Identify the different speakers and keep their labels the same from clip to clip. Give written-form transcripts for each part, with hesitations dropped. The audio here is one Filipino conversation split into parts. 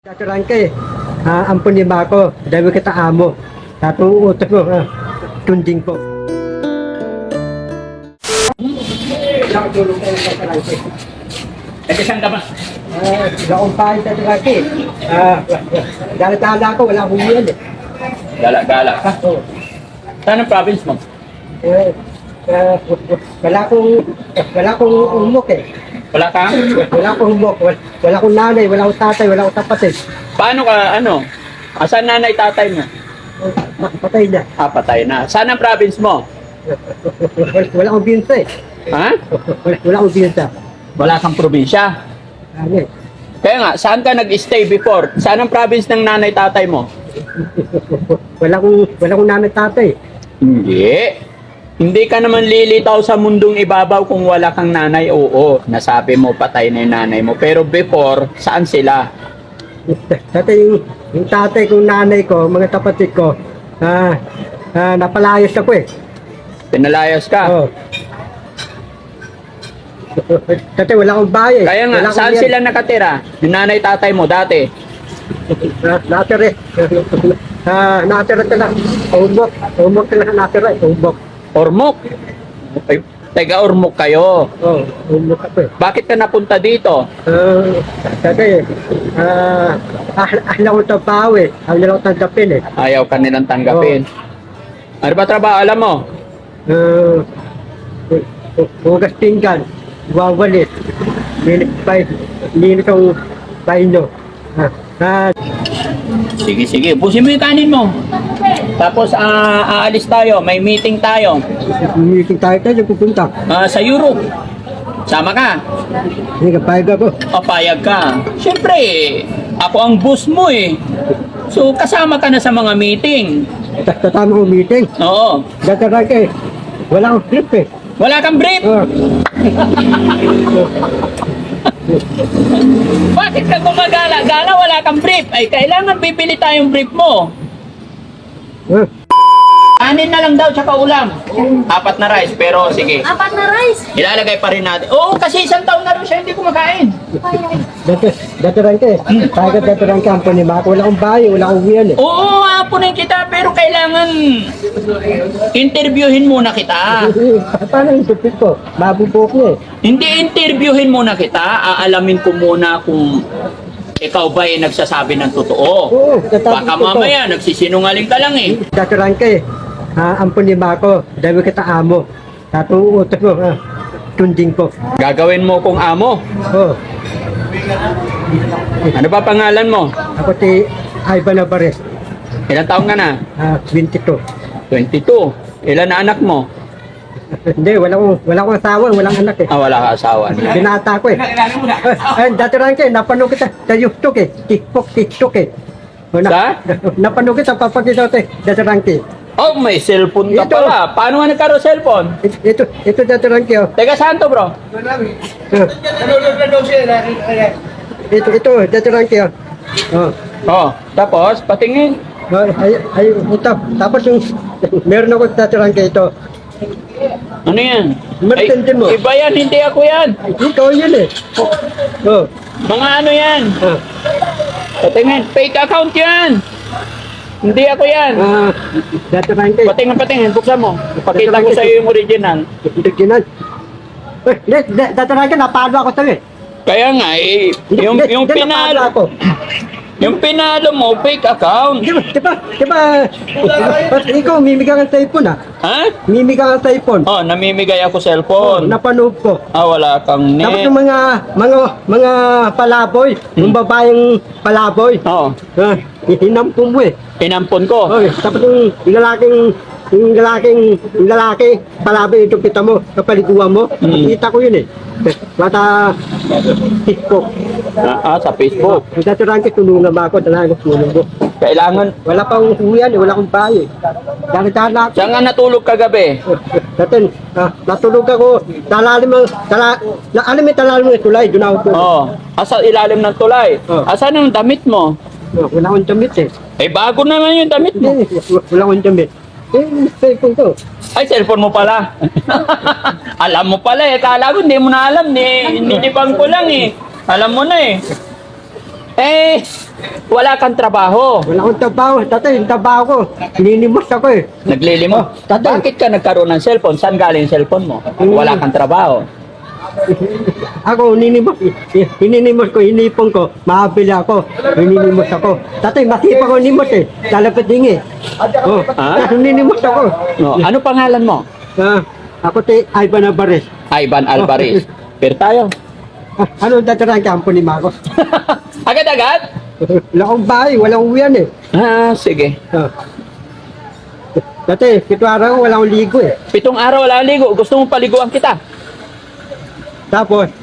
Speaker 1: Daturan ka ampun lima ako, dahil kita amo. Tato utos mo, tunding po.
Speaker 2: Saan ka ba?
Speaker 1: Naumpahin daturan ka Gala-gala ako, wala akong yan
Speaker 2: Gala-gala ka? Saan ang province mo?
Speaker 1: Wala akong umok
Speaker 2: Wala ka?
Speaker 1: Wala akong umok, wala akong nanay, wala akong tatay, wala akong kapatid.
Speaker 2: Paano ka, Asan nanay tatay mo?
Speaker 1: Patay na.
Speaker 2: Patay na. Saan ang province mo?
Speaker 1: Wala akong binsa
Speaker 2: Ha?
Speaker 1: Wala akong binsa.
Speaker 2: Wala kang probinsya. Kaya nga, saan ka nag-stay before? Saan ang province ng nanay tatay mo?
Speaker 1: Wala akong nanay tatay.
Speaker 2: Hindi. Hindi ka naman lilitaw sa mundong ibabaw kung wala kang nanay. Oo, nasabi mo patay na yung nanay mo. Pero before, saan sila?
Speaker 1: Dati yung tatay kong nanay ko, mga kapatid ko, napalayas ako
Speaker 2: Pinalayas ka?
Speaker 1: Oh. Dati wala akong bahay.
Speaker 2: Kaya nga,
Speaker 1: Wala akong
Speaker 2: saan
Speaker 1: yan.
Speaker 2: sila nakatira? Yung nanay tatay mo dati?
Speaker 1: Natira natira sila. Umok sila natira. Umok.
Speaker 2: Ormoc? Ay, taga Ormoc kayo.
Speaker 1: Oh, umok ako
Speaker 2: Bakit ka napunta dito?
Speaker 1: Dati, ahla ko trabaho ahla ko tanggapin
Speaker 2: Ayaw ka nilang tanggapin. Ano ba trabaho? Alam mo?
Speaker 1: Hugas pinggan, wawalit, linis ang baino.
Speaker 2: Sige. Busin mo yung kanin mo. Tapos aalis tayo. May meeting tayo.
Speaker 1: Meeting tayo pupunta.
Speaker 2: Sa Europe. Sama ka?
Speaker 1: Hindi ka payag ako.
Speaker 2: Papayag ka. Siyempre, ako ang boss mo So, kasama ka na sa mga meeting.
Speaker 1: Tatama ko meeting.
Speaker 2: Oo.
Speaker 1: Dataran ka wala akong trip
Speaker 2: Wala kang brief. Bakit ka gumagala-gala? Wala kang brief. Ay, kailangan bibili tayong brief mo. Kanin na lang daw, tsaka ulam. 4 na rice, pero sige.
Speaker 3: 4 na rice.
Speaker 2: Ilalagay pa rin natin. Oo, kasi 1 taon na rin siya hindi kumakain.
Speaker 1: Dataran ka payag dataran ka ampun lima ako, wala akong bahay, wala akong yan
Speaker 2: Oo, apunin kita, pero kailangan interviewin muna kita.
Speaker 1: Paano yung supit ko? Mabubok niya
Speaker 2: Hindi interviewin muna kita, aalamin ko muna kung ikaw ba nagsasabi ng totoo.
Speaker 1: Oo, tatabi
Speaker 2: Baka
Speaker 1: ko to.
Speaker 2: mamaya nagsisinungaling ka lang
Speaker 1: Dataran ka ampun lima ako, dahil kita amo. Tato utos mo, tunding po.
Speaker 2: Gagawin mo kung amo.
Speaker 1: Oh,
Speaker 2: Ano ba pangalan mo?
Speaker 1: ako si Ivan Alvarez,
Speaker 2: Ilang taong ka na?
Speaker 1: 22.
Speaker 2: 22. Ilan na anak mo?
Speaker 1: Hindi, wala akong asawa, walang anak
Speaker 2: Wala ka asawa.
Speaker 1: Binata ko dataran ka napanood kita sa YouTube TikTok
Speaker 2: Sa?
Speaker 1: Napanood kita, papakita ko dataran ka
Speaker 2: Oh, may cellphone ka
Speaker 1: Ito.
Speaker 2: pala. Paano nga nagkaroon cellphone?
Speaker 1: Ito dataran ka
Speaker 2: Teka, saan to, bro?
Speaker 1: Ito dataran ka
Speaker 2: Tapos, patingin.
Speaker 1: ito. Tapos yung meron ako dataran ka ito.
Speaker 2: Ano yan?
Speaker 1: Martintin mo.
Speaker 2: Iba yan, hindi ako yan.
Speaker 1: Ikaw yun
Speaker 2: Mga ano yan? Patingin, fake account yan. Hindi ako yan.
Speaker 1: Dataran ka
Speaker 2: Patingin, buksan mo. Pakita ko sa iyo yung original.
Speaker 1: Original. Dataran ka, napalo ako sa'yo
Speaker 2: Kaya nga, yung pinalo,
Speaker 1: ako.
Speaker 2: yung pinalo mo, fake account.
Speaker 1: Di ba, ikaw, mimigay ka ng cellphone
Speaker 2: Ha?
Speaker 1: Mimigay ka ng cellphone.
Speaker 2: Namimigay ako cellphone.
Speaker 1: Napanood ko.
Speaker 2: Wala kang
Speaker 1: Tapos
Speaker 2: net.
Speaker 1: yung mga palaboy, yung babaeng palaboy, hinampun mo
Speaker 2: Inampon ko.
Speaker 1: Tapos yung lalaki, palaboy, ito kita mo, kapaliguan mo, kita ko yun Mata, TikTok.
Speaker 2: Sa Facebook.
Speaker 1: Ang daturan ka, tulungan ba ako, talaga tulong ko.
Speaker 2: Kailangan.
Speaker 1: Wala pa akong uyan, wala akong bahay. Dahil ako.
Speaker 2: Saan nga natulog kagabi?
Speaker 1: Dati, natulog ako, alam mo yung talalim ng tulay, doon ako tulog.
Speaker 2: Asa ilalim ng tulay. Asan ang damit mo?
Speaker 1: Wala akong damit
Speaker 2: Bago naman yung damit mo.
Speaker 1: Wala akong damit. Cellphone ko.
Speaker 2: Ay, cellphone mo pala. Alam mo pala Kala ko hindi mo na alam. Ninibang ko lang Alam mo na Eh, wala kang trabaho.
Speaker 1: Wala akong trabaho. Tatay, yung trabaho ko. Ninimos ako eh.
Speaker 2: Naglilimos.
Speaker 1: Oh, tatay.
Speaker 2: Bakit ka nagkaroon ng cellphone? Saan galing yung cellphone mo? Wala kang trabaho.
Speaker 1: Ako, hininimos ko, hinipon ko, makabili ako, hininimos ako. Tatay, masipa ko nimos eh, lalapit dingi. Oh,
Speaker 2: Ah?
Speaker 1: hininimos ako.
Speaker 2: No. Ano pangalan mo?
Speaker 1: Ako si Ivan Alvarez.
Speaker 2: Ivan Alvarez. Pero tayo.
Speaker 1: Ano datarang kampo ni Marcos?
Speaker 2: Agad-agad?
Speaker 1: Wala akong bahay, walang uwian eh.
Speaker 2: Ah, sige.
Speaker 1: Tatay, 7 araw, wala akong ligo eh.
Speaker 2: 7 araw wala ligo. Gusto mo paliguan kita?
Speaker 1: Tapos,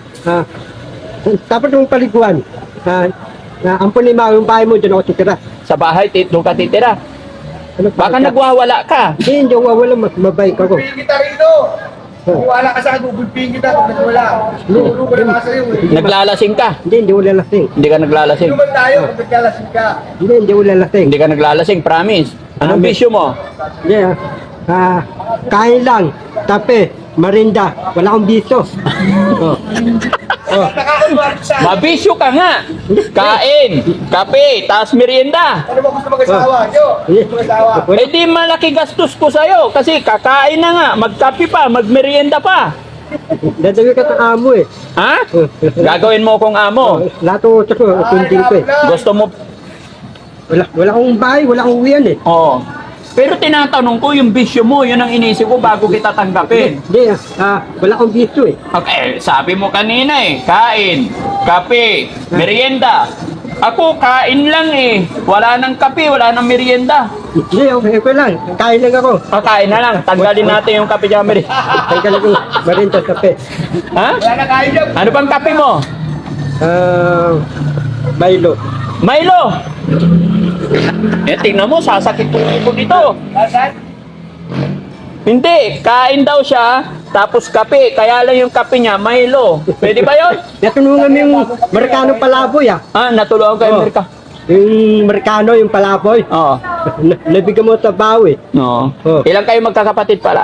Speaker 1: tapos yung paliguan, ampun ni Mao, yung bahay mo, dyan ako titira.
Speaker 2: Sa bahay, doon ka titira.
Speaker 1: Ano,
Speaker 2: Baka nagwawala ka.
Speaker 1: Hindi wawala, mabay ka ko.
Speaker 3: Pingin kita rito. Kung wala ka sa akin, bubulpingin kita kung nagwala. Turo ko na sa'yo eh.
Speaker 2: Naglalasing ka.
Speaker 1: Hindi wala lasing.
Speaker 2: Hindi ka naglalasing.
Speaker 3: Inuman tayo kung nagkalasing ka.
Speaker 1: Hindi wala lasing.
Speaker 2: Hindi ka naglalasing, promise. Anong bisyo mo?
Speaker 1: Hindi kain lang, tape, marinda, wala akong biso.
Speaker 3: Nakakunwari sa akin.
Speaker 2: Mabisyo ka nga. Kain, kape, taas merienda.
Speaker 3: Ano ba gusto mag-asawa? Yo, gusto mag-asawa.
Speaker 2: Eh di malaki gastos ko sa'yo kasi kakain na nga, magkape pa, magmerienda pa.
Speaker 1: Dadawin ka ng amo eh.
Speaker 2: Ha? Gagawin mo kong amo.
Speaker 1: Lahat ko, kundin ko eh.
Speaker 2: Gusto mo.
Speaker 1: Wala akong bahay, wala akong uwian eh.
Speaker 2: Oo. Pero tinatanong ko yung bisyo mo, yun ang inisip ko bago kita tanggapin.
Speaker 1: Hindi, wala akong biso eh.
Speaker 2: Okay, sabi mo kanina eh, kain, kape, merienda. Ako, kain lang eh. Wala nang kape, wala nang merienda.
Speaker 1: Hindi, okay lang. Kain lang ako.
Speaker 2: Kakain na lang, tanggalin natin yung kape dyan, merienda.
Speaker 1: Kain ka lang yung marinda, tape.
Speaker 2: Ha?
Speaker 3: Wala na kayo dyan.
Speaker 2: Ano bang kape mo?
Speaker 1: Milo.
Speaker 2: Milo! Eh, tingnan mo, sasakit po dito.
Speaker 3: Nasaan?
Speaker 2: Hindi, kain daw siya, tapos kape. Kaya lang yung kape niya, Milo. Pwede ba yun?
Speaker 1: Natulungan mo yung Amerikano palaboy ah.
Speaker 2: Ah, natulungan ko yung
Speaker 1: Oh.
Speaker 2: Amerika.
Speaker 1: Yung Amerikano, yung palaboy.
Speaker 2: Oo.
Speaker 1: Nabigyan mo sa bawi.
Speaker 2: No.
Speaker 1: Oh.
Speaker 2: Ilang kayo magkakapatid pala?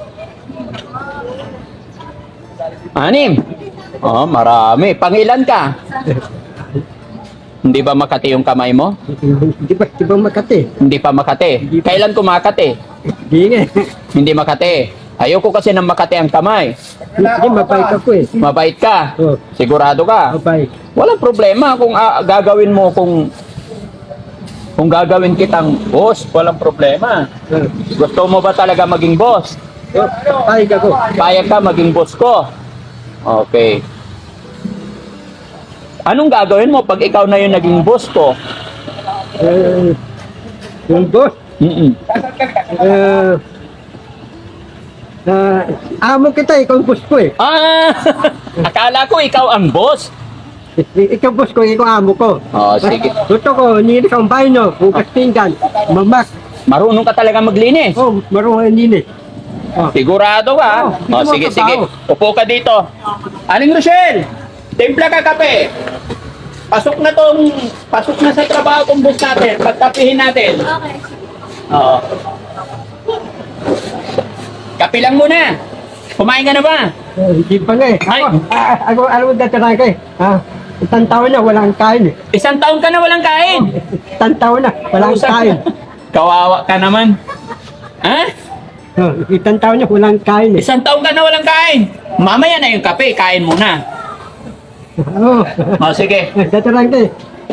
Speaker 2: 6. Oh, marami. Pangilan ka? Hindi ba Makati yung kamay mo?
Speaker 1: Di ba Makati?
Speaker 2: Hindi pa Makati. Kailan ko Makati?
Speaker 1: Di nga.
Speaker 2: Hindi Makati. Ayoko kasi ng Makati ang kamay.
Speaker 1: Hindi, mabait ako eh.
Speaker 2: Mabait ka.
Speaker 1: Oh,
Speaker 2: Sigurado ka.
Speaker 1: mabait.
Speaker 2: Walang problema kung gagawin mo kung gagawin kitang boss, walang problema. Gusto mo ba talaga maging boss?
Speaker 1: Payag ako.
Speaker 2: Payag ka maging boss ko. Okay. Anong gagawin mo pag ikaw na yung naging boss ko?
Speaker 1: Yung boss,
Speaker 2: Mm-mm.
Speaker 1: amo kita, ikaw ang boss ko eh.
Speaker 2: Ah! Akala ko ikaw ang boss.
Speaker 1: Ikaw boss ko, ikaw amo ko.
Speaker 2: Oh, sige.
Speaker 1: Gusto ko, nilis ang bahay no, bukas pinggan, mamak.
Speaker 2: Marunong ka talaga maglinis.
Speaker 1: Oh, marunong nilis. Oh.
Speaker 2: Sigurado ka?
Speaker 1: Oo,
Speaker 2: Oh,
Speaker 1: hindi mo
Speaker 2: sige, sige.
Speaker 1: trabaho.
Speaker 2: Upo ka dito. Aling Rochelle, timpla ka kape. Pasok na sa trabaho kong boss natin. Pagkapihin natin.
Speaker 4: Okay.
Speaker 2: Oo. Kape lang muna. Kumain ka na ba?
Speaker 1: Hindi pa nga eh.
Speaker 2: Ay.
Speaker 1: Ako, alam mo dati ka eh. Isang taon na, walang kain eh.
Speaker 2: 1 taon ka na walang kain.
Speaker 1: Isang taon na, walang kain.
Speaker 2: Kawawa ka naman. Ha?
Speaker 1: Isang taon na, walang kain eh.
Speaker 2: 1 taon ka na walang kain. Mamaya na yung kape, kain muna.
Speaker 1: Oo.
Speaker 2: O, sige.
Speaker 1: Dati lang ka eh.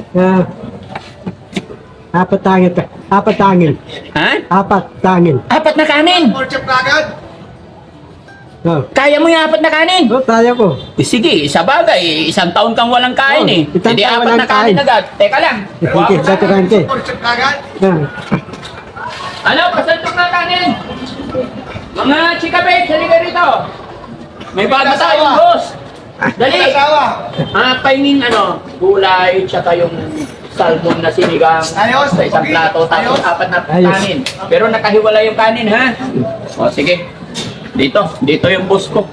Speaker 1: Apat tangil. Apat tangil.
Speaker 2: Ha?
Speaker 1: Apat tangil.
Speaker 2: 4 na kanin.
Speaker 3: Pork chop na agad.
Speaker 1: Oh.
Speaker 2: Kaya mo yung 4 na kanin.
Speaker 1: Oh, kaya ko.
Speaker 2: Eh, sige, sa bagay, 1 taon kang walang kain eh.
Speaker 1: Oh, 1
Speaker 2: Hindi
Speaker 1: taon
Speaker 2: 4 na
Speaker 1: walang
Speaker 2: kanin
Speaker 1: kain.
Speaker 2: agad. Teka lang.
Speaker 1: Sige, dati lang ka eh.
Speaker 3: Pork chop na agad.
Speaker 2: Ano, pasantok na kanin. Mga chika babe, halika rito. May bago tayong boss. Dali.
Speaker 3: Asawa.
Speaker 2: Pahingin gulay, tsaka yung salmon na sinigang
Speaker 3: Ayos.
Speaker 2: sa isang plato, tapos
Speaker 3: Ayos.
Speaker 2: 4 na
Speaker 1: Ayos.
Speaker 2: kanin. Pero nakahiwala yung kanin, ha? O, sige. Dito yung boss ko.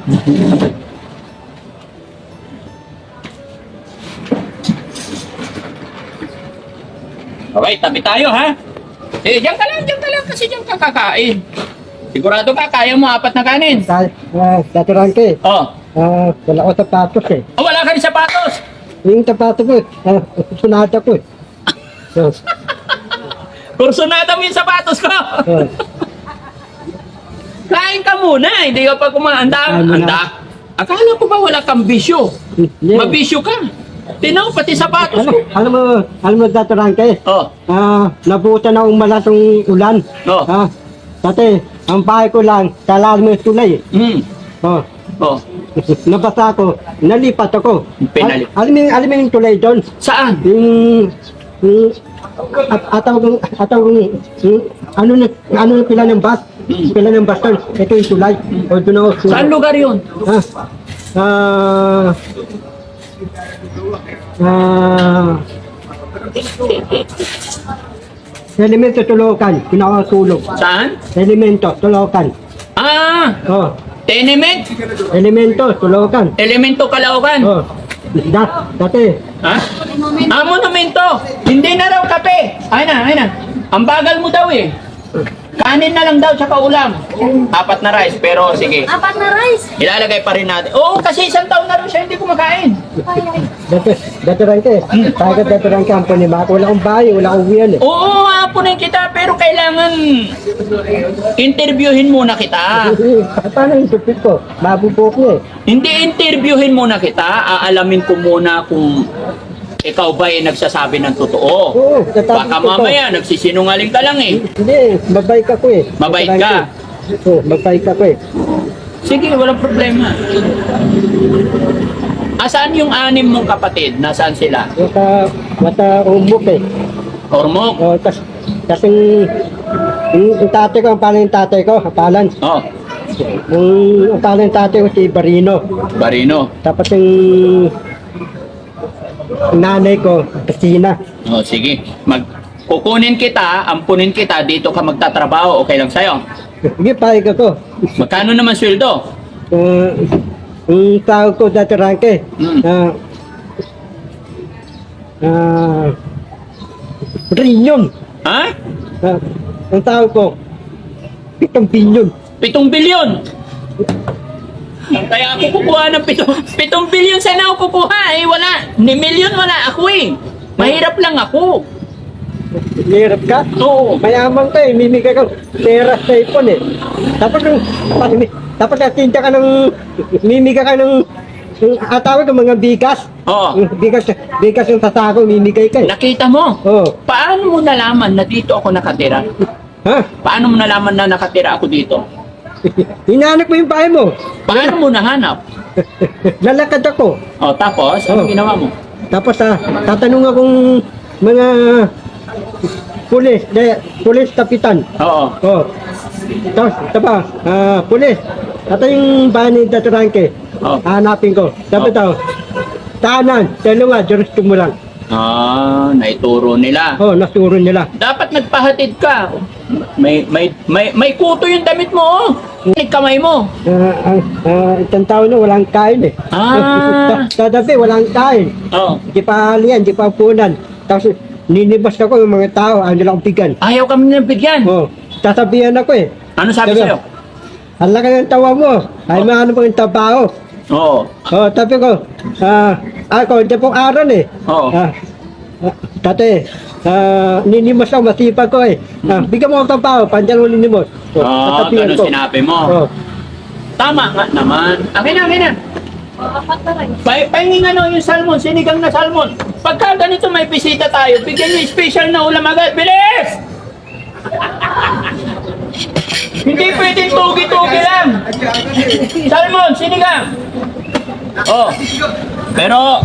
Speaker 2: Okay, tabi tayo, ha? Eh, diyan ka lang, kasi diyan ka kakain. Sigurado ka, kaya mo 4 na kanin.
Speaker 1: Dati lang ka eh.
Speaker 2: Oh,
Speaker 1: Wala ko sapatos eh.
Speaker 2: wala ka rin sapatos.
Speaker 1: Yung tapato ko, sunata ko. Oh,
Speaker 2: Kursunada mo yung sapatos ko.
Speaker 1: oh.
Speaker 2: Kain ka muna, hindi ka pa kumaanda.
Speaker 1: Kain muna.
Speaker 2: Anda. Akala ko ba wala kang bisyo?
Speaker 1: Yeah.
Speaker 2: Mabisyo ka. Tinaw, pati sapatos ko.
Speaker 1: Alam mo, Datarangke,
Speaker 2: Oh,
Speaker 1: nabutan akong malatong ulan.
Speaker 2: Oh.
Speaker 1: Dati, ang bahay ko lang, talalim ng tulay. Oh,
Speaker 2: Oh.
Speaker 1: nabasa ako, nalipat ako.
Speaker 2: Pinali-
Speaker 1: Alam mo yung tulay doon?
Speaker 2: Saan?
Speaker 1: Yung ano na pila ng bus? Pila ng bus doon. Ito yung tulay. O doon ako.
Speaker 2: Saan lugar yun?
Speaker 1: Elemento Tulokan, pinakatulog.
Speaker 2: Saan?
Speaker 1: Elemento Tulokan.
Speaker 2: Ah,
Speaker 1: Oh,
Speaker 2: tenement?
Speaker 1: Elemento Tulokan.
Speaker 2: Elemento Caloocan.
Speaker 1: Oh, dati.
Speaker 2: Ha? Ah, monumento. Hindi na raw kape. Ay na. Ang bagal mo daw eh. Kanin na lang daw tsaka ulam. 4 na rice, pero sige.
Speaker 4: Apat na rice.
Speaker 2: Ilalagay pa rin natin. Oo, kasi 1 taon na rin siya hindi kumakain.
Speaker 1: Datarangke. Sagad Datarangke ang panimako. Wala akong bahay, wala akong uwian eh.
Speaker 2: Oo, apunin kita, pero kailangan interviewin muna kita.
Speaker 1: Paano yung supit ko? Mabubok niya eh.
Speaker 2: Hindi interviewin muna kita, aalamin ko muna kung ikaw ba ay nagsasabi ng totoo.
Speaker 1: Oo, tatapos
Speaker 2: Baka
Speaker 1: ko to.
Speaker 2: mamaya nagsisinungaling ka lang eh.
Speaker 1: Hindi, mabait ako eh.
Speaker 2: Mabait ka?
Speaker 1: Oo, mabait ako eh.
Speaker 2: Sige, walang problema. Asaan yung 6 mong kapatid? Nasaan sila?
Speaker 1: Wata umok eh.
Speaker 2: Ormok?
Speaker 1: O, kasing yung tatay ko, ang pangalan ng tatay ko, kapalan.
Speaker 2: Oh,
Speaker 1: Ang pangalan ng tatay ko si Barino.
Speaker 2: Barino.
Speaker 1: Tapos yung nanay ko, Casina.
Speaker 2: Oh, sige. Kukunin kita, ampunin kita, dito ka magtatrabaho, okay lang sa'yo?
Speaker 1: Sige, pahig ako.
Speaker 2: Magkano naman sweldo?
Speaker 1: Yung tawag ko dati Rangke,
Speaker 2: Mm.
Speaker 1: Rinyon.
Speaker 2: Ha?
Speaker 1: Ang tawag ko, 7 bilyon.
Speaker 2: 7 bilyon! Kaya ako kukuha ng 7 bilyon, sana ako kukuha eh, wala. Ni milyon wala ako eh. Mahirap lang ako.
Speaker 1: Hirap ka?
Speaker 2: Oo.
Speaker 1: Mayaman ka eh, mimigay ka pera sa ipon eh. Tapos natinda ka ng, mimigay ka ng, atawag ka mga bigas.
Speaker 2: Oo.
Speaker 1: Yung bigas yung sasako, mimigay ka eh.
Speaker 2: Nakita mo?
Speaker 1: Oo.
Speaker 2: Paano mo nalaman na dito ako nakatira?
Speaker 1: Ha?
Speaker 2: Paano mo nalaman na nakatira ako dito?
Speaker 1: Hinahanap mo yung bahay mo.
Speaker 2: Paano mo nahanap?
Speaker 1: Lalakad ako.
Speaker 2: O tapos, ano
Speaker 1: Oo.
Speaker 2: ginawa mo?
Speaker 1: Tapos tatanong akong mga pulis kapitan.
Speaker 2: Oo.
Speaker 1: Oh. Tapos, pulis. Ito yung bahay ni Datarangke.
Speaker 2: Oh.
Speaker 1: Hanapin ko. Tapos ito, tahanan, dalawa, jurisdo mo lang.
Speaker 2: Ah, naituro nila.
Speaker 1: Oh, nasuro nila.
Speaker 2: Dapat nagpahatid ka. May kuto yung damit mo, oh. Yung kamay mo.
Speaker 1: Isang tao na walang kain eh.
Speaker 2: Ah.
Speaker 1: Tatabi, walang kain.
Speaker 2: Oh.
Speaker 1: Di pa halian, di pa punan. Tapos, ninibas ako yung mga tao, ano lang bigyan.
Speaker 2: Ayaw kami nang bigyan.
Speaker 1: Oh, tatabihan ako eh.
Speaker 2: Ano sabi
Speaker 1: Sabi-
Speaker 2: sa'yo?
Speaker 1: Ang laki ng tawa mo. Ay, maano pang trabaho.
Speaker 2: Oo.
Speaker 1: Oh, sabi ko, ako, hindi pong aral eh.
Speaker 2: Oo.
Speaker 1: Dati, ninimos ako, masipag ko eh. Bigyan mo akong trabaho, pandyan mo ninimos. Oh, tatabihan
Speaker 2: ganun sinabi mo.
Speaker 1: Oh.
Speaker 2: Tama nga naman. Akin na.
Speaker 4: Apat na rice.
Speaker 2: Pahingin ano yung salmon, sinigang na salmon. Pagka ganito may bisita tayo, bigyan niyo special na ulam agad. Bilis! Hindi pwedeng tugi-tugi lang. Salmon, sinigang. Oh. Pero,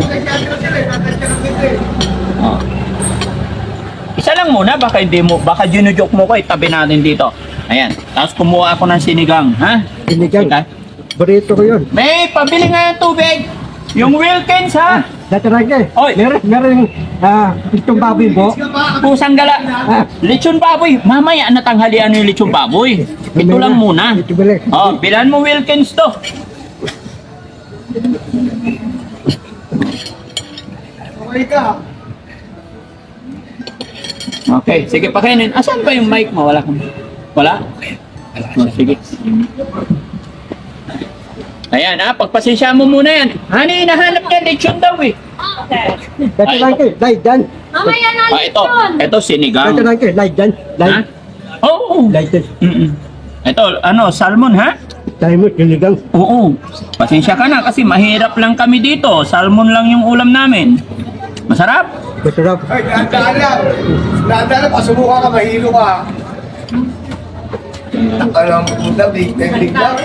Speaker 2: oh. Isa lang muna, baka ginujoke mo ko, itabi natin dito. Ayan, tapos kumuha ako ng sinigang, ha?
Speaker 1: Sinigang.
Speaker 2: Sinigang.
Speaker 1: Burrito ko yun.
Speaker 2: May, pabili nga ng tubig. Yung Wilkins, ha?
Speaker 1: Dati Rangke,
Speaker 2: Oy.
Speaker 1: meron itong baboy mo.
Speaker 2: Pusang gala. Lechon baboy. Mamaya natanghalian yung lechon baboy. Ito lang muna.
Speaker 1: Ito balik.
Speaker 2: Oh, bilan mo Wilkins to.
Speaker 3: Okay ka.
Speaker 2: Okay, sige pakainin. Asan ba yung mic mo? Wala kang... Wala? Oh, sige. Ayan ha, pagpasensya mo muna yan. Hani, hinahanap niya lechon daw eh.
Speaker 1: Dati lang kayo, live dyan.
Speaker 4: Mamaya na
Speaker 2: Ah, ito sinigang.
Speaker 1: Dati lang kayo, live dyan.
Speaker 2: Ha?
Speaker 1: Live,
Speaker 2: Oo.
Speaker 1: live dyan.
Speaker 2: Ito, salmon ha?
Speaker 1: Tayo mo, sinigang.
Speaker 2: Oo. Pasensya ka na kasi mahirap lang kami dito. Salmon lang yung ulam namin. Masarap?
Speaker 1: Masarap.
Speaker 3: Ay, daan lang. Daan lang, pasubukan ka, mahilo ka. Alam mo, puta, big lang.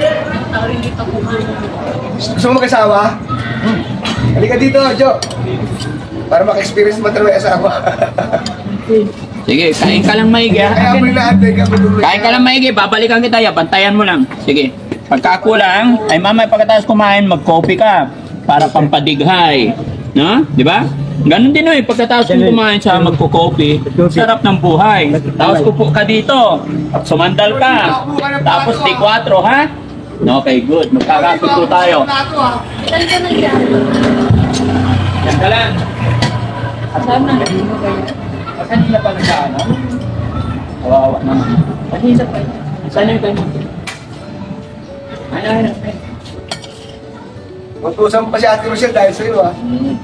Speaker 3: Gusto mo mag-asawa? Halika dito, Jo. Para maka-experience mo talaga asawa.
Speaker 2: Sige, kain ka lang maigi ha?
Speaker 3: Kaya mo inaantay ka.
Speaker 2: Kain ka lang maigi, babalikan kita ya, bantayan mo lang. Sige. Pagkakulang, ay mamaya pagkatapos kumain, mag-coffee ka para pampadighay. No? Di ba? Ganon din eh, pagkatapos kong kumain siya, magko-coffee, sarap ng buhay. Tapos kupo ka dito, sumandal ka, tapos di 4, ha? Okay, good. Magkakapito tayo.
Speaker 4: Saan ka na yan?
Speaker 2: Yan ka lang.
Speaker 4: Saan na?
Speaker 2: Kanina pa nagkaano? Kawawa naman. Kanina pa. Saan yung kayo? Ano?
Speaker 3: Matusan pa si Ate Rochelle dahil sa'yo, ha?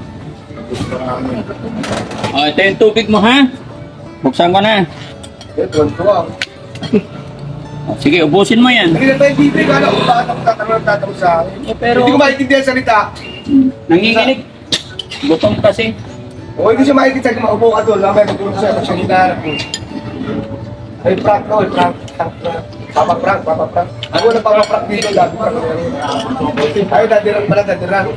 Speaker 2: Oh, ito yung tubig mo, ha? Buksan ko na.
Speaker 3: Eh, tuwan-tuwa.
Speaker 2: Oh, sige, ubusin mo yan.
Speaker 3: Hindi na tayo bibig, ano? Kung bakit ako tatanong sa akin.
Speaker 2: Pero,
Speaker 3: Hindi ko maintindihan salita.
Speaker 2: nanginginig. Gutom kasi.
Speaker 3: O, hindi siya maintindihan. Maupo ka doon. Lamay, magulong siya. Siya hinaharap mo. Ay, prank to. Ay, prank. Papa-prank. Ako na papa-prank dito. Dati prank. Ay, dadirang pala, dadirang.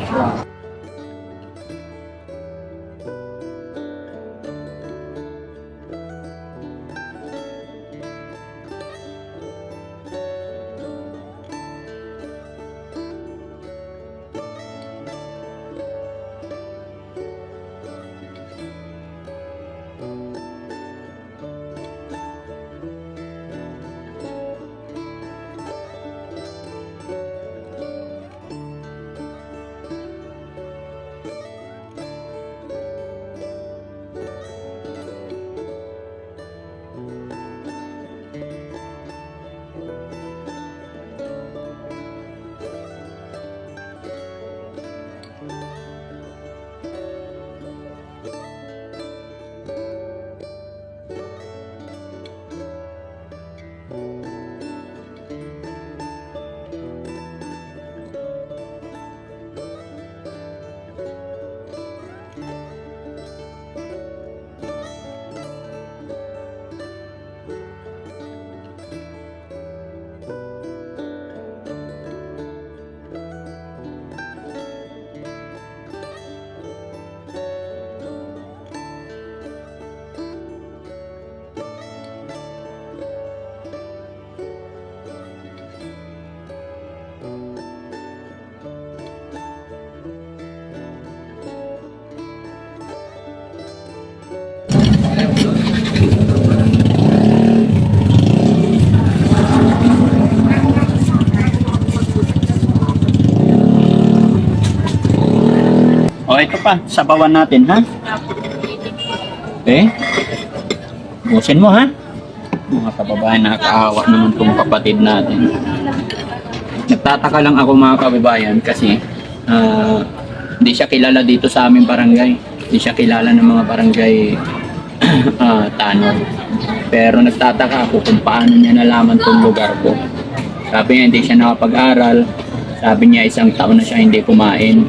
Speaker 2: O, ito pa. Sabawan natin, ha? Okay. Ubusin mo, ha? Mga kababayan, nakakaawa naman itong kapatid natin. Nagtataka lang ako mga kababayan kasi hindi siya kilala dito sa aming barangay. Hindi siya kilala ng mga barangay tanod. Pero nagtataka ako kung paano niya nalaman itong lugar ko. Sabi niya hindi siya nakapag-aral. Sabi niya 1 taon na siya hindi kumain.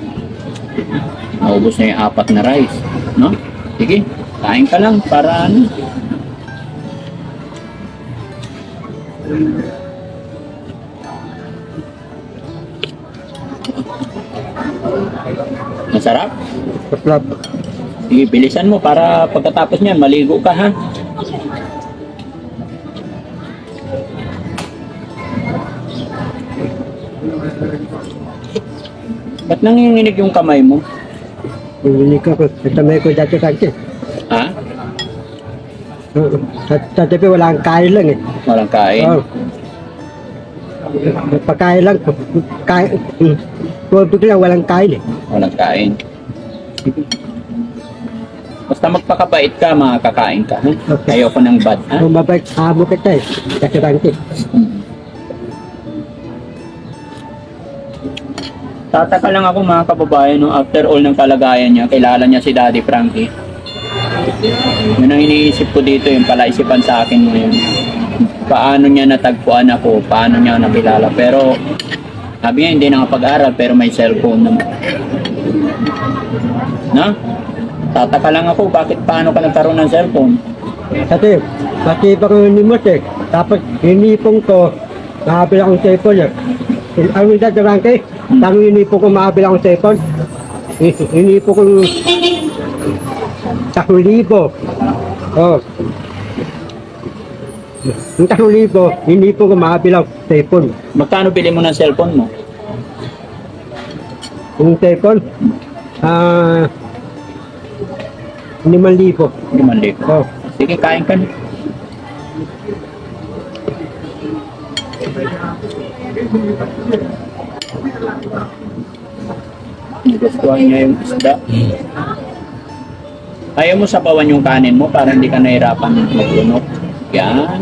Speaker 2: Naubos na yung 4 na rice. No? Sige, kain ka lang para ano. Masarap?
Speaker 1: Masarap.
Speaker 2: Sige, bilisan mo para pagkatapos niyan, maligo ka, ha? Ba't nanginginig yung kamay mo?
Speaker 1: Hindi ko. Natamay ko dati kaki.
Speaker 2: Ha?
Speaker 1: Sa tabi wala kang kain lang eh.
Speaker 2: Walang kain?
Speaker 1: Oh. Pagkain lang. Kain. Tubig lang, walang kain eh.
Speaker 2: Walang kain. Basta magpakabait ka, makakakain ka, ha?
Speaker 1: Okay.
Speaker 2: Ayoko ng bad, ha?
Speaker 1: Kung mabait, amo kita eh. Kasi kaki.
Speaker 2: Tataka lang ako mga kababayan, no, after all ng kalagayan niya, kilala niya si Daddy Frankie. Yun ang iniisip ko dito, yung palaisipan sa akin ngayon. Paano niya natagpuan ako, paano niya nakilala. Pero, sabi niya hindi nakapag-aral, pero may cellphone naman. Na? Tataka lang ako, paano ka nagkaroon ng cellphone?
Speaker 1: Kasi, pati pa ko nimot eh. Tapos, hinipong ko, nakabil akong cellphone eh. Ang hindi darang kay, tanong hinipong ko makabil akong cellphone. Hinipong ko 3,000. Oh. Yung 3,000, hinipong ko makabil akong cellphone.
Speaker 2: Magkano bili mo ng cellphone mo?
Speaker 1: Yung cellphone, 5,000.
Speaker 2: 5,000.
Speaker 1: Oh.
Speaker 2: Sige, kain ka na. Gustuhan niya yung isda. Ayaw mo sabawan yung kanin mo para hindi ka nahirapan maglunok. Yan.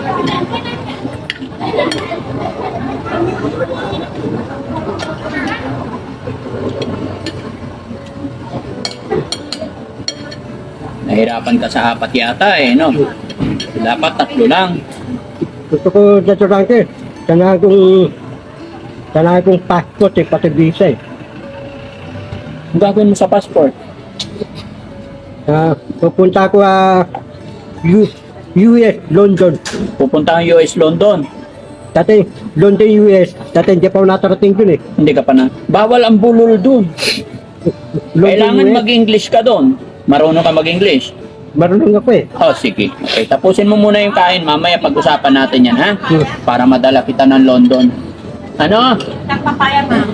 Speaker 2: Nahirapan ka sa 4 yata eh, no? Dapat 3 lang.
Speaker 1: Gusto ko dito lang eh. Sana akong passport eh, pati visa eh.
Speaker 2: Ang gagawin mo sa passport?
Speaker 1: Pupunta ko US, London.
Speaker 2: Pupunta ang US, London.
Speaker 1: Dati, London, US. Dati hindi pa ako natarating dun eh.
Speaker 2: Hindi ka pa na. Bawal ang bulol dun.
Speaker 1: London,
Speaker 2: Kailangan
Speaker 1: US.
Speaker 2: mag-English ka dun. Marunong ka mag-English.
Speaker 1: Marunong ako eh.
Speaker 2: Oh, sige. Okay, tapusin mo muna yung kain. Mamaya pag-usapan natin yan, ha? Para madala kita ng London. Ano?
Speaker 4: Nagpapaya, ma'am.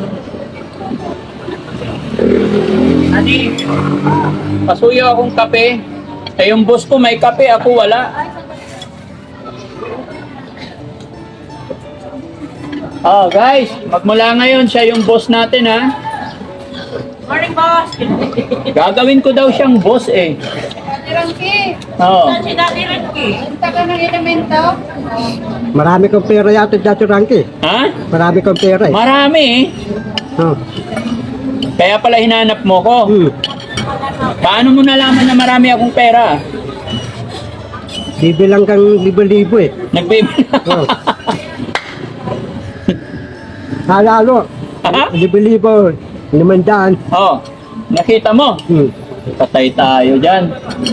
Speaker 2: Adi, pasuyo akong kape. Eh, yung boss ko may kape, ako wala. Oh, guys, magmula ngayon siya yung boss natin, ha?
Speaker 4: Morning, boss.
Speaker 2: Gagawin ko daw siyang boss, eh.
Speaker 4: Daddy Ranky.
Speaker 2: Oo.
Speaker 4: Saan si Daddy Ranky? Punta ka ng elemento?
Speaker 1: Marami kong pera yata dati Ranky.
Speaker 2: Ha?
Speaker 1: Marami kong pera eh.
Speaker 2: Marami, eh.
Speaker 1: Oh.
Speaker 2: Kaya pala hinanap mo ko. Paano mo nalaman na marami akong pera?
Speaker 1: Bibilang kang libo-libo eh.
Speaker 2: Nagbibilang.
Speaker 1: Oh. Halalo.
Speaker 2: Ha?
Speaker 1: Libo-libo. 500.
Speaker 2: Oh, nakita mo? Patay tayo dyan.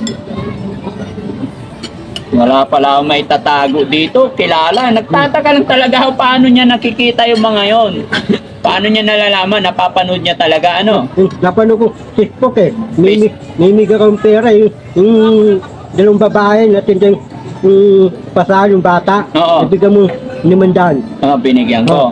Speaker 2: Wala pala akong may tatago dito. Kilala. Nagtataka lang talaga ako paano niya nakikita yung mga yon. Paano niya nalalaman? Napapanood niya talaga, ano?
Speaker 1: Napano ko Facebook eh. Mimig akong pera eh. Yung dalawang babae natin yung pasahan yung bata.
Speaker 2: Oo.
Speaker 1: Ibigay mo 500.
Speaker 2: Ah, binigyan ko.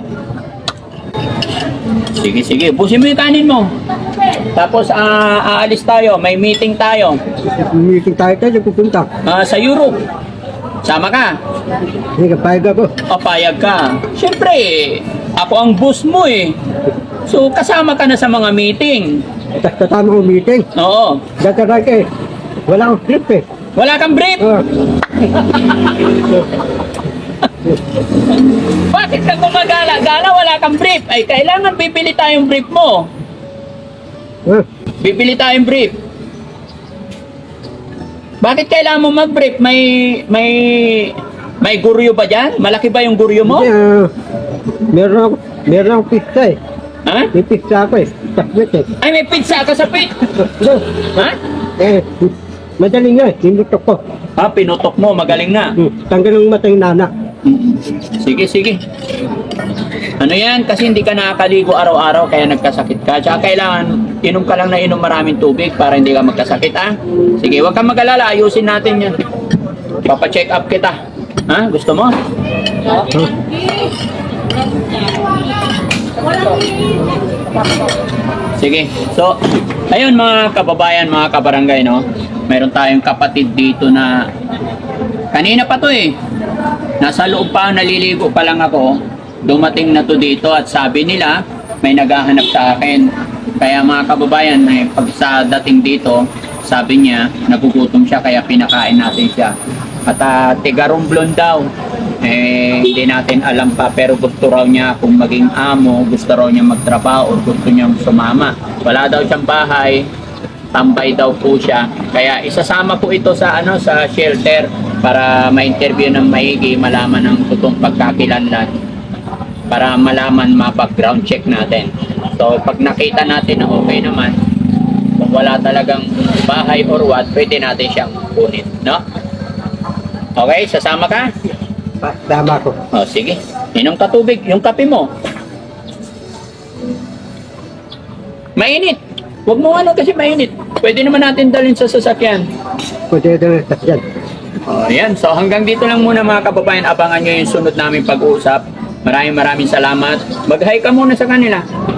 Speaker 2: Sige, sige. Busin mo yung kanin mo. Tapos, aalis tayo. May meeting tayo.
Speaker 1: Meeting tayo pupunta.
Speaker 2: Sa Europe. Sama ka.
Speaker 1: Hindi ka payag ako.
Speaker 2: O, payag ka. Siyempre, ako ang boss mo eh. So, kasama ka na sa mga meeting.
Speaker 1: Kasama ko meeting.
Speaker 2: Oo.
Speaker 1: Dadalag eh. Wala akong trip eh.
Speaker 2: Wala kang brief.
Speaker 1: Oh.
Speaker 2: Bakit ka gumagala-gala? Wala kang brief. Ay, kailangan bibili tayong brief mo. Bibili tayong brief. Bakit kailangan mo mag-brief? May guryo ba dyan? Malaki ba yung guryo mo?
Speaker 1: Meron akong pizza eh.
Speaker 2: Ha?
Speaker 1: May pizza ako eh. Chocolate eh.
Speaker 2: Ay, may pizza ka sa pit. Ha?
Speaker 1: Madaling nga eh. Tinutok ko.
Speaker 2: Ha, pinutok mo. Magaling na.
Speaker 1: Tanggal ng mata yung nana.
Speaker 2: Sige, sige. Ano yan? Kasi hindi ka nakakaligo araw-araw kaya nagkasakit ka. Tsaka kailangan inom ka lang na inom maraming tubig para hindi ka magkasakit, ha? Sige, huwag kang mag-alala. Ayusin natin yan. Papa-check up kita. Ha? Gusto mo? Sige. So, ayun mga kababayan, mga kabarangay, no? Meron tayong kapatid dito na kanina pa to eh. Nasa loob pa, naliligo pa lang ako. Dumating na to dito at sabi nila may naghahanap sa akin. Kaya mga kababayan, pag sa dating dito, sabi niya nagugutom siya kaya pinakain natin siya. At tiga Romblon daw. hindi natin alam pa, pero gusto raw niya kung maging amo, gusto raw niya magtrabaho, o gusto niyang sumama. Wala daw siyang bahay, tambay daw po siya. Kaya isasama po ito sa sa shelter para ma-interview ng maigi, malaman ng totoong pagkakilanlan, para malaman, ma-background check natin. So pag nakita natin na okay naman, kung wala talagang bahay or what, pwede natin siyang kunin, no? Okay, sasama ka?
Speaker 1: Tama ko.
Speaker 2: O, sige. Inom ka tubig. Yung kape mo. Mainit. Huwag mo kasi mainit. Pwede naman natin dalhin sa sasakyan.
Speaker 1: Kunti ito na yan.
Speaker 2: O, yan. So, hanggang dito lang muna mga kababayan. Abangan nyo yung sunod namin pag-uusap. Maraming salamat. Mag-hi ka muna sa kanila.